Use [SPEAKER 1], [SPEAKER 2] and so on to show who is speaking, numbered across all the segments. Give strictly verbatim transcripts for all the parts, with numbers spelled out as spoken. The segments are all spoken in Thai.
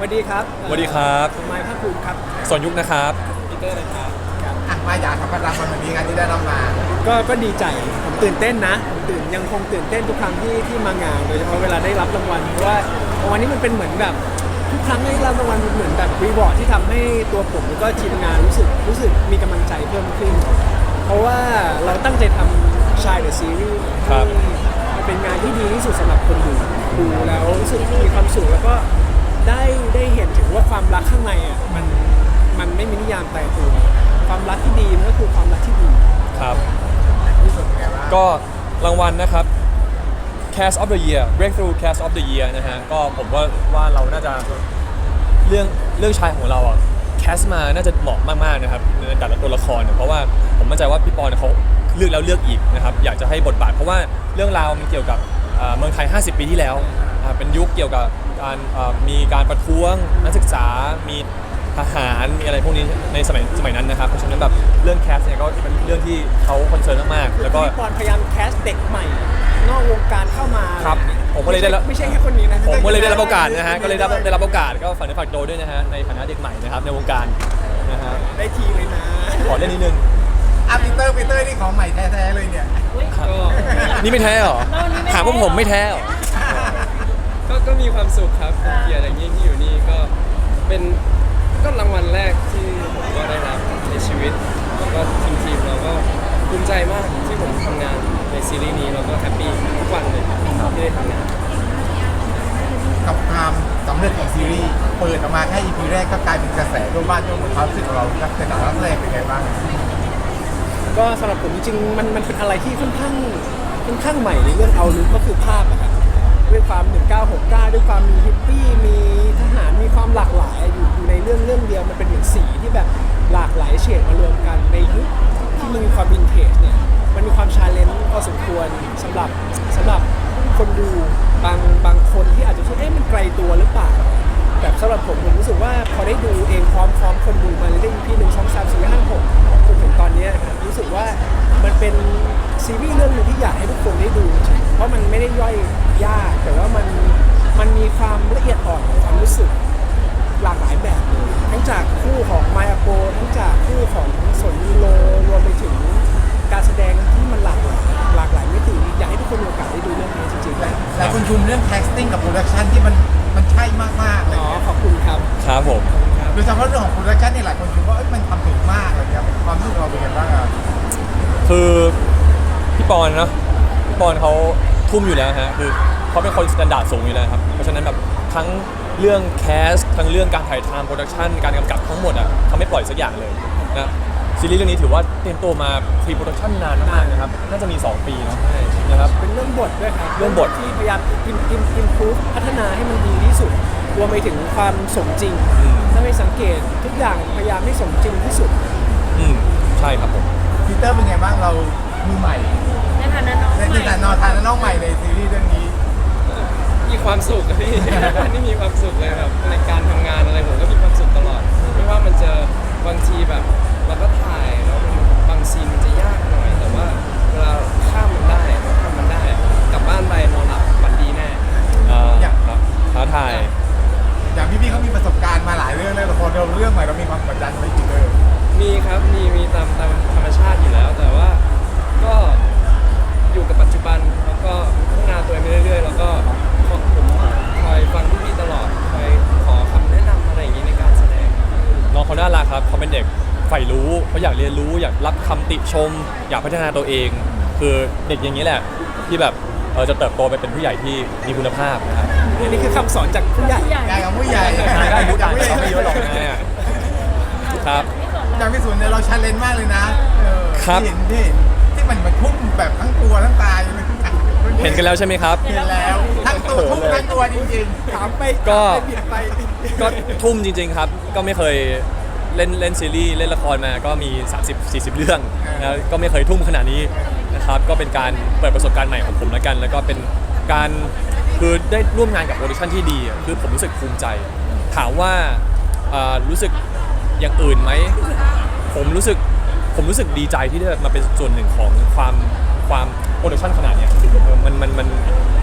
[SPEAKER 1] ดีครับ
[SPEAKER 2] สวัสดีครับ
[SPEAKER 1] ผมไมค์ภาคภูมิครับ
[SPEAKER 2] สนยุคนะครับ
[SPEAKER 1] ปีเตอร์นะครับ
[SPEAKER 3] อ่ะมาอยากทำรางวัลวันนี้กันที่ได้รับมา
[SPEAKER 1] ก็ก็ดีใจผมตื่นเต้นนะผมตื่นยังคงตื่นเต้นทุกครั้งที่ที่มางานโดยเฉพาะเวลาได้รับรางวัลเพราะว่ารางวัลนี้มันเป็นเหมือนแบบทุกครั้งได้รับรางวัลเหมือนแบบรีวอร์ดที่ทำให้ตัวผมแล้วก็ทีมงานรู้สึกรู้สึกมีกำลังใจเพิ่มขึ้นเพราะว่าเราตั้งใจทำชายเดอะซีรีส์ให้เป็นงานที่ดีที่สุดสำหรับคนดูดูแล้วรู้สึกมีความสุขแล้วก็ได้ได้เห็นถึงว่าความรักข้างในอ่ะมันมันไม่มีนิยามตายตัวความรักที่ดีมันก็คือความรักที่ดี
[SPEAKER 2] ครับ
[SPEAKER 3] ที่สุดไงบ้าง
[SPEAKER 2] ก็รางวัลนะครับ Cast of the Year Breakthrough Cast of the Year นะฮะก็ผมว่าว่าเราน่าจะเรื่องเรื่องชายของเราอ่ะแคสมาน่าจะเหมาะมากๆนะครับในแต่ละตัวละครเพราะว่าผมมั่นใจว่าพี่ปอนเขาเลือกแล้วเลือกอีกนะครับอยากจะให้บทบาทเพราะว่าเรื่องราวมันเกี่ยวกับเมืองไทยห้าสิบปีที่แล้วเป็นยุคเกี่ยวกับการมีการประท้วงนักศึกษามีทหารมีอะไรพวกนี้ในสมัยสมัยนั้นนะครับเพราะฉะนั้นแบบเรื่องแคสเนี่ยก็เป็นเรื่องที่เขาคอนเซิร์นมากๆแล้วก็
[SPEAKER 1] พี่ปอนพยายามแคสเด็กใหม่นอกวงการเข้ามา
[SPEAKER 2] ครับผมก็เลยได้รับ
[SPEAKER 1] ไม่ใช่แค่คนนี้นะ
[SPEAKER 2] ผมก็เลยได้รับโอกาสนะฮะก็เลยได้ได้รับโอกาสก็ฝากเนื้อฝากตัวด้วยนะฮะในฐานะเด็กใหม่นะครับในวงการนะฮะ
[SPEAKER 1] ได้ทีเลยนะ
[SPEAKER 2] ขอเล่นนิดนึง
[SPEAKER 3] อ่ะปีเตอร์ปีเตอร์นี่ของใหม่แท้ๆเลยเนี่ย
[SPEAKER 2] ก็นี่ไม่แท้หรอถามว่าผมไม่แท้หรอ
[SPEAKER 4] ก็ก็มีความสุขครับเป็นเกียรติอย่างยิ่งที่อยู่นี่ก็เป็นก็รางวัลแรกที่ผมก็ได้รับในชีวิตแล้วก็ทีมทีมเราก็ภูมิใจมากที่ผมทำงานในซีรีส์นี้แล้วก็แฮปปี้ทุกวันเลยที่ได้ทำงาน
[SPEAKER 3] กับความสำเร็จของซีรีส์เปิดออกมาแค่ อี พี แรกก็กลายเป็นกระแสทั่วบ้านทั่วเมืองความรู้สึกของเราครับในฐานะนักแสดงเป็นไงบ้าง
[SPEAKER 1] ก็สำหรับผมจริงๆมันมันเป็นอะไรที่ค่อนข้างค่อนข้างใหม่ในเรื่องเอาลุกก็คือภาพนะครับด้วยความหนึ่งเก้าหกเก้าด้วยความมีฮิปปี้มีทหารมีความหลากหลายอยู่อยู่ในเรื่องเรื่องเดียวมันเป็นเหมือนสีที่แบบหลากหลายเฉดมารวมกันในยุคที่มันมีความวินเทจเนี่ยมันมีความชาเลนจ์พอสมควรสำหรับสำหรับคนดูบางบางคนที่อาจจะคิดเอ๊ะมันไกลตัวหรือเปล่าแต่สำหรับผมผมรู้สึกว่าพอได้ดูเองพร้อมพร้อมคนดูมาเรื่อยๆพี่หนึ่งช่องสามสี่ห้าหกจนถึงตอนนี้ครับรู้สึกว่ามันเป็นซีรีส์เรื่องนึงที่อยากให้ทุกคนได้ดูเพราะมันไม่ได้ย่อยยากแต่ว่ามันมันมีความละเอียดอ่อนของความรู้สึกหลากหลายแบบเลยทั้งจากคู่ของมายาโปทั้งจากคู่ของสนยูโรรวมไปถึงการแสดงที่มันหลากหลายหลากหลายมิติอยากให้ทุกคนมีโอกาสได้ดูเรื่องนี้จริงๆแล้ว
[SPEAKER 3] หลายคนชมเรื่อง casting กับ production ที่มันมันใช่มากๆเลย
[SPEAKER 1] อ๋อขอบคุณครับ
[SPEAKER 2] ครับผม
[SPEAKER 3] โดยเฉพาะเรื่องของ production เนี่ยหลายคนชมว่ามันทำถึงมากเลยครับความรู้สึกเราเป็นยังไงบ้างอ่ะ
[SPEAKER 2] คือพี่ปอนเนาะพี่ปอนเขาทุ่มอยู่แล้วฮะคือเขาเป็นคนสแตนดาร์ดสูงอยู่แล้วครับเพราะฉะนั้นแบบทั้งเรื่องแคสทั้งเรื่องการถ่ายทำโปรดักชันการกำกับทั้งหมดอ่ะเขาไม่ปล่อยสักอย่างเลยนะซีรีส์เรื่องนี้ถือว่าเตรียมตัวมาพรีโปรดักชันนานมากนะครับน่าจะมีสองปีเนาะนะครับ
[SPEAKER 1] เป็นเรื่องบทด้วยครับ
[SPEAKER 2] เรื่องบท
[SPEAKER 1] ที่พยายามอิมอิมอิมพูฟพัฒนาให้มันดีที่สุดรวมไปถึงความสมจริงถ้าไม่สังเกตทุกอย่างพยายามให้สมจริงที่สุด
[SPEAKER 2] อืมใช่ครับผม
[SPEAKER 3] ปีเตอร์เป็นไงบ้างเรามือใหม่
[SPEAKER 5] ในฐานะน้องใหม่
[SPEAKER 3] ในฐานะน้องใหม่ในซีรีส์เรื่องนี้
[SPEAKER 4] มีความสุขพี่นี่มีความสุขเลยครับในการทำงานอะไรผมก็มีความสุขตลอดไม่ว่ามันจะบางทีแบบเราก็ถ่ายแล้วบางซีนมันจะยากหน่อยแต่ว่าเวลาข้ามมันได้ทำมันได้กลับบ้านไปนอนหลับฝันดีแน่
[SPEAKER 2] อย่างท้าทาย
[SPEAKER 3] อย่างพี่พี่เขามีประสบการณ์มาหลายเรื่องแล้วแต่พอเราเรื่องใหม่เรามีความกดดันไหมพี่เตอร์
[SPEAKER 4] มีครับมีมีตามตามธรรมชาติอยู่แล้วแต่ว่าก็อยู่กับปัจจุบันแล้วก็พัฒนาตัวเองไปเรื่อยๆแล้วก็ผมคอยฟังพี่ๆตลอดคอยขอคำแนะนำอะไรอย่างนี้ในการแสดง
[SPEAKER 2] น้องเขาน่ารักครับเขาเป็นเด็กใฝ่รู้เขาอยากเรียนรู้อยากรับคำติชมอยากพัฒนาตัวเองคือเด็กอย่างนี้แหละที่แบบเออจะเติบโตไปเป็นผู้ใหญ่ที่มีคุณภาพนะครับ
[SPEAKER 1] นี่คือคำสอนจากผู้ใหญ่
[SPEAKER 3] ใหญ่กับผู้ใหญ่
[SPEAKER 2] ได้ผู้ใหญ่เขาไม่เยอะหรอกนะครับ
[SPEAKER 3] จากพี่สุนเนี่ยเราชันเลนมากเลยนะครับ
[SPEAKER 2] เ
[SPEAKER 3] ห็นที่ที่มันมันพุ่งแบบทั้งตัวทั้งตาเลย
[SPEAKER 2] เห็นกันแล้วใช่ไหมครับ
[SPEAKER 3] เห็นแล้วทั้งตัวพุ่งทั้งตัวจริง
[SPEAKER 1] ๆถามไป
[SPEAKER 2] ก็ก็ทุ่มจริงๆครับก็ไม่เคยเล่นเล่นซีรีส์เล่นละครมาก็มี สามสิบสี่สิบ เรื่องแล้วก็ไม่เคยทุ่มขนาดนี้นะครับก็เป็นการเปิดประสบการณ์ใหม่ของผมแล้วกันแล้วก็เป็นการคือได้ร่วมงานกับโปรดักชั่นที่ดีคือผมรู้สึกภูมิใจถามว่ารู้สึกอย่างอื่นไหมผมรู้สึกผมรู้สึกดีใจที่ได้มาเป็นส่วนหนึ่งของความความโปรดักชั่นขนาดเนี้ยมันมันมันถ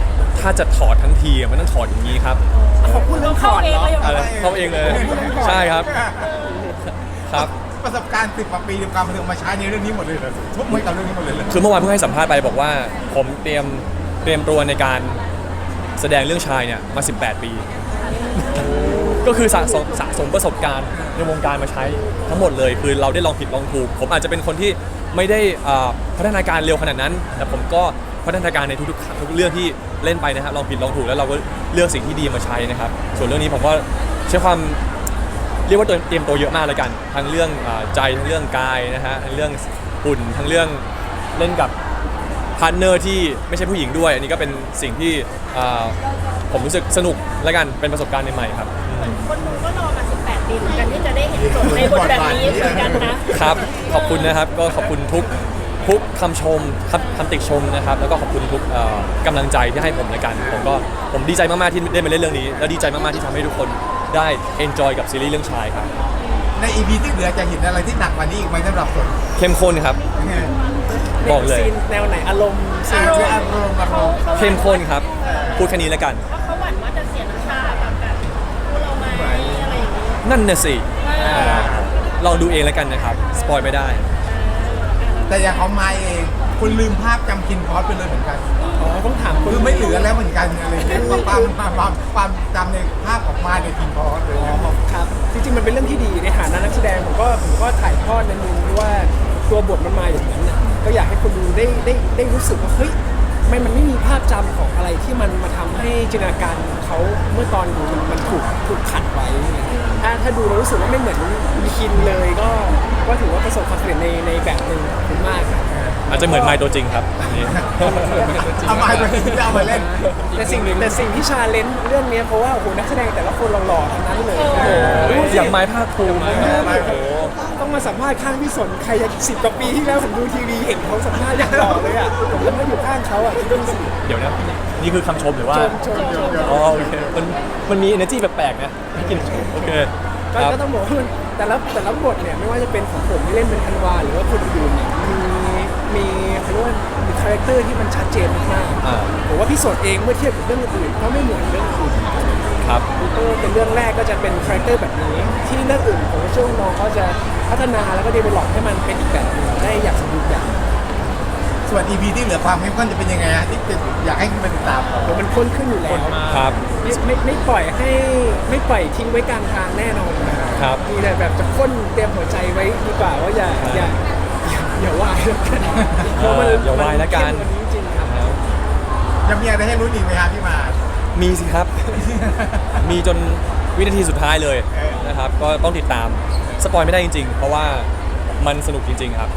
[SPEAKER 2] ถ้าจะถอดทั้งทีอะมันต้องถอดอย่างนี้ครับ
[SPEAKER 1] ขอบคุณเรื่องถอดเนาะ
[SPEAKER 2] อะไรเขาเองเลยใช่ครับครับ
[SPEAKER 3] ประสบการณ์สิบกว่าปีในการบันเทิงมาใช้ในเรื่องนี้หมดเลยเหรอทุกเมื่อกับเรื่องนี้หมดเลยเหรอ
[SPEAKER 2] คือเมื่อวานเพิ่งให้สัมภาษณ์ไปบอกว่าผมเตรียมเตรียมตัวในการแสดงเรื่องชายเนี่ยมาสิบแปดปี ก็คือสะสมสะสมประสบการณ์ในวงการมาใช้ทั้งหมดเลยคือเราได้ลองผิดลองถูกผมอาจจะเป็นคนที่ไม่ได้อ่าพัฒนาการเร็วขนาดนั้น แต่ผมก็พัฒนาการในทุกๆทุกเรื่องที่เล่นไปนะครับลองผิดลองถูกแล้วเราก็เลือกสิ่งที่ดีมาใช้นะครับส่วนเรื่องนี้ผมก็ใช้ความเรียกว่าตัวเตรียมตัวเยอะมากเลยกันทั้งเรื่องอ่าใจทั้งเรื่องกายนะฮะทั้งเรื่องหุ่นทั้งเรื่องเล่นกับพาร์ทเนอร์ที่ไม่ใช่ผู้หญิงด้วยอันนี้ก็เป็นสิ่งที่อ่าผมรู้สึกสนุกและกันเป็นประสบการณ์ใหม่ๆครับ
[SPEAKER 5] คนดูก็รอมาสิบแปดปีเหมือนกันที่จะได้เห็นสดในบทแบบนี้เหมือนกันนะครับ
[SPEAKER 2] ขอบคุณนะครับก็ขอบคุณทุกทุกคำชมคำคำติชมนะครับแล้วก็ขอบคุณทุกเอ่อกำลังใจที่ให้ผมในกันผมก็ผมดีใจมากๆที่ได้มาเล่นเรื่องนี้ แล้วดีใจมากๆที่ทำให้ทุกคนได้ enjoy กับซีรีส์เรื่องชายครับ
[SPEAKER 3] ใน อี พี ที่เหลือจะเห็นอะไรที่หนักกว่านี้อีกไหมสำหรับสน
[SPEAKER 2] เข้มข้นครับ บอกเลย
[SPEAKER 1] ซีนแนวไหนอารมณ์ซี
[SPEAKER 3] ซี
[SPEAKER 1] น
[SPEAKER 3] น
[SPEAKER 1] ที่
[SPEAKER 3] ที่อารมณ์อารมณ์
[SPEAKER 2] เข้มข้นครับพูดแค่นี้แล้วกัน
[SPEAKER 5] เพราะเขาหวั่นว่าจะเสียน้ำตากับแบบคู่เราไหมอะไรอย่างนี้
[SPEAKER 2] นั่นน่ะสิลองดูเองแล้วกันนะครับสปอยไม่ได้
[SPEAKER 3] แต่อย่างของไมค์เองคุณลืมภาพจำคินพอสไปเลยเหมือนกัน
[SPEAKER 1] อ๋อต้องถามคน
[SPEAKER 3] คือไม่เหลือแล้วเหมือนกันอะไรอย่างเงี้ยความความความความจำในภาพของไมค์ในคินพอสเลย
[SPEAKER 1] อ๋อครับจริงๆมันเป็นเรื่องที่ดีในฐานะนักแสดงผมก็ผมก็ถ่ายทอดในมุมที่ว่าตัวบทมันมาอย่างนั้นน่ะก็อยากให้คนดูได้ได้ได้รู้สึกว่าเฮ้ยไม่มันไม่มีภาพจำของอะไรที่มันมาทำให้จินตนาการเขาเมื่อตอนดูมันมันถูกถูกขัดไว้ถ้าถ้าดูแล้วรู้สึกว่าไม่เหมือนมีคินเลยก็ก็ถือว่าประสบความสำเร็จในในแบบหนึ่งขอบคุณมากครับ
[SPEAKER 2] อาจจะเหมือนไมค์ตัวจริงครับอันนี้
[SPEAKER 3] เอาไมค์ไปเอามาเล่น
[SPEAKER 1] แต่สิ่งแต่สิ่งที่ชาเลนจ์เรื่องนี้เพราะว่าโอ้โหนักแสดงแต่ละคนหล่อๆทั้งนั้นเลยโอ้โห
[SPEAKER 2] อย่างไม้ภาคภูมิโอ้โห
[SPEAKER 1] ต้องมาสัมภาษณ์ข้างพี่สนใครจะสิบกว่าปีที่แล้วผมดูทีวีเห็นเขาสัมภาษณ์อย่างหล่อเลยอ่ะผมแล้วมาอยู่ข้างเขาอ่ะคิดดูสิ
[SPEAKER 2] เดี๋ยวนะนี่คือคำชมหรือว่า
[SPEAKER 1] ชมชมชม
[SPEAKER 2] อ๋อโอเคมันมันมี energy แปลกๆนะไม่กินโอเค
[SPEAKER 1] ก็
[SPEAKER 2] ครับ
[SPEAKER 1] ก็ต้องบอกว่ามันแต่ละแต่ละบทเนี่ยไม่ว่าจะเป็นของผมที่เล่นเป็นธันวาหรือว่าคนอื่นเนี่ยมีมีเขาเรียกว่ามีคาแรคเตอร์ที่มันชัดเจนมาก
[SPEAKER 2] อ่า
[SPEAKER 1] ๆผมว่าพี่สนเองเมื่อเทียบกับเรื่องอื่นก็ไม่เหมือนเรื่องอื่น
[SPEAKER 2] ครับ
[SPEAKER 1] เออเป็นเรื่องแรกก็จะเป็นคาแรคเตอร์แบบนี้ ที่เรื่องอื่นผมก็เชื่อว่าน้องเขาจะพัฒนาแล้วก็เดเวลลอปให้มันเป็นอีกแบบหนึงได้อย่างสมบูรณ์แบบ
[SPEAKER 3] ส่วน อี พี ที่เหลือความเข้มข้นจะเป็นยังไงฮะที่อยากให้คุณไปติดตามครับ
[SPEAKER 1] โอ้มันข้นขึ้นอยู่แล้ว
[SPEAKER 2] ครับ
[SPEAKER 1] ไม่ไม่ไม่ปล่อยให้ไม่ปล่อยทิ้งไว้กลางทางแน่นอนนะครับ มีแต่แบบจะข้นเตรียมหัวใจไว้ดีกว่าว่าอย่าอย่าอย่าอย่าวายแล้วกันเพราะมัน
[SPEAKER 2] อย่าวายแล้วกัน
[SPEAKER 1] มัเข้มว่านี้จริงครับ
[SPEAKER 3] ยังมีอะไรให้รู้อีกไหมครับพี่มา
[SPEAKER 2] มีสิครับ มีจนวินาทีสุดท้ายเลย
[SPEAKER 3] เออ
[SPEAKER 2] นะครับ ก็ต้องติดตาม สปอยไม่ได้จริงๆ เพราะว่ามันสนุกจริงๆครับ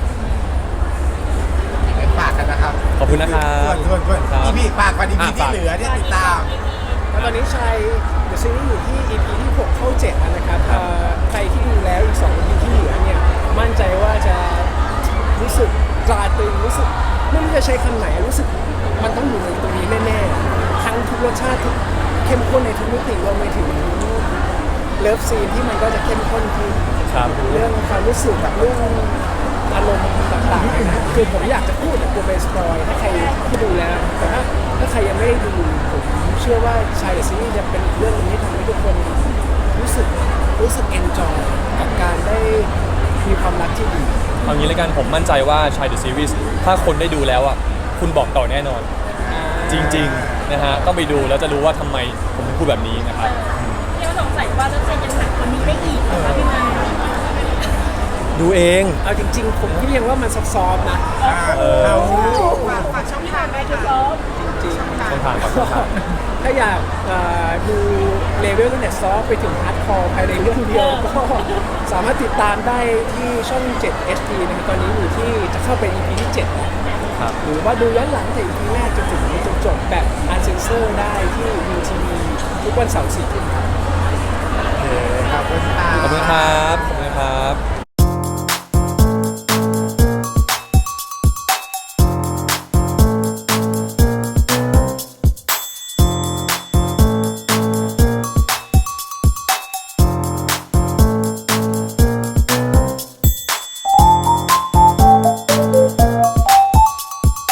[SPEAKER 3] ฝากกันนะครับ
[SPEAKER 2] ขอบคุณนะครับ
[SPEAKER 3] ส่วนส่วนส่วน
[SPEAKER 2] ครับ
[SPEAKER 3] อีพีฝากก่อนอีพี
[SPEAKER 2] อ่ะ
[SPEAKER 3] ที่
[SPEAKER 2] ฝาก
[SPEAKER 3] เหลือที่ติดตาม
[SPEAKER 1] แล้วตอนนี้ชัยเดอะซีรีส์อยู่ที่ อี พี ที่หกเข้าเจ็ดแล้วนะครับ
[SPEAKER 2] ครับ
[SPEAKER 1] เอ่อใครที่ดูแล้วอีกสอง อี พี ที่เหลือเนี่ยมั่นใจว่าจะรู้สึกตราตรึงรู้สึกไม่รู้จะใช้คำไหนรู้สึกมันต้องอยู่ในตรงนี้แน่ๆทั้งทุกรสชาติทุกเข้มข้นในทุกมิติรวมไปถึงเลิฟซีนที่มันก็จะเข้มข้นขึ้น
[SPEAKER 2] ครับ
[SPEAKER 1] เรื่องความรู้สึกแบบเรื่องอารมณ์ต่างๆเนี่ยนะคือผมอยากจะพูดแต่กลัวไปสปอยถ้าใครที่ดูแล้วแต่ถ้าถ้าใครยังไม่ได้ดูผมเชื่อว่าชายเดอะซีรีส์จะเป็นอีกเรื่องหนึงที่ทำให้ทุกคนรู้สึกรู้สึกเอนจอยกับการได้มีความรักที่ดี
[SPEAKER 2] เอางี้แล้วกันผมมั่นใจว่าชายเดอะซีรีส์ถ้าคนได้ดูแล้วอ่ะคุณบอกต่อแน่นอน จริงๆนะฮะต้องไปดูแล้วจะรู้ว่าทำไมผมถึงพูดแบบนี้นะครับ
[SPEAKER 5] ที่เราสงสัยว่าจะเป็นยังหนักกว่านี้ได้อีกเหรอคะพี่มา
[SPEAKER 2] ดูเอง
[SPEAKER 1] เอาจริง ๆ ผมพี่ยังว่ามันซับซ้อนนะ
[SPEAKER 2] เออ
[SPEAKER 5] ฝากฝากช่องทางได้ค่ะ
[SPEAKER 1] จริงๆ
[SPEAKER 2] ช่องทางครับช่องทาง
[SPEAKER 1] ถ้าอยากเอ่อดูเลเวลตั้งแต่ซอฟต์ไปถึงฮาร์ดคอร์ภายในเรื่องเดียวก็สามารถติดตามได้ที่ช่อง เจ็ด เอช ดี นะครับตอนนี้อยู่ที่จะเข้าไป อี พี ที่ เจ็ดแล้ว
[SPEAKER 2] ครับ
[SPEAKER 1] หรือว่าดูย้อนหลังจาก อี พี แรกจนถึงจนจบแบบอันเซนเซอร์ได้ที่ วี ที วี ทุกวันเสาร์สี่ทุ่มครับ
[SPEAKER 3] ขอบคุณค่ะ
[SPEAKER 2] ขอบคุณครับ ขอบคุณครับ